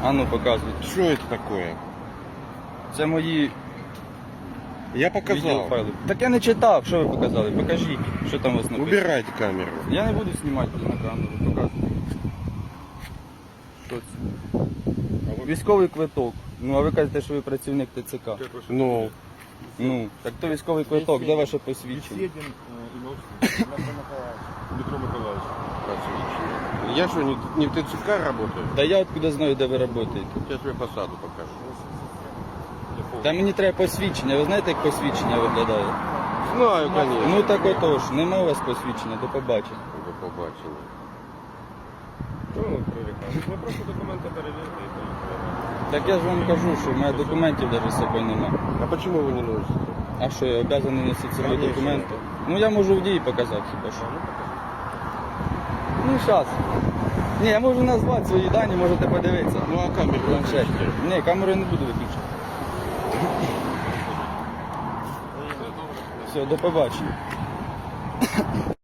А ну показуйте. Что это такое? Це мої Я показал. відеофайли. Так я не читав, що ви показали. Покажіть, що там у вас написано. Убирайте камеру. Я не буду знімати на камеру, показуйте. Що це? Військовий квиток. Ну, а ви кажете, що ви працівник ТЦК. Ну, Ну, так то військовий квиток, де ваше посвідчення? Беседин Дмитро Миколаївич. я что, не в ТЦК работаю? Та я откуда знаю, де ви працюєте. Сейчас я фасаду покажу. Та мені треба посвідчення. Ви знаєте, як посвідчення виглядає? Знаю, конечно. Ну так отож, нема у вас посвідчення, до побачення. До побачення. Чого ви прирікаєте? Ви просто документи перевірте і поїхали. Так я ж вам кажу, що в мене документів навіть з собою немає. А почему вы не носите? А що, я обов'язаний носити з собою Конечно. документи? Ну я можу в дії показати хіба що. Ну зараз. Ні, я можу назвати свої дані, можете подивитися. Ну а камеру Планшет. выключите. Ні, камеру я не буду виключати. Все, до побачення.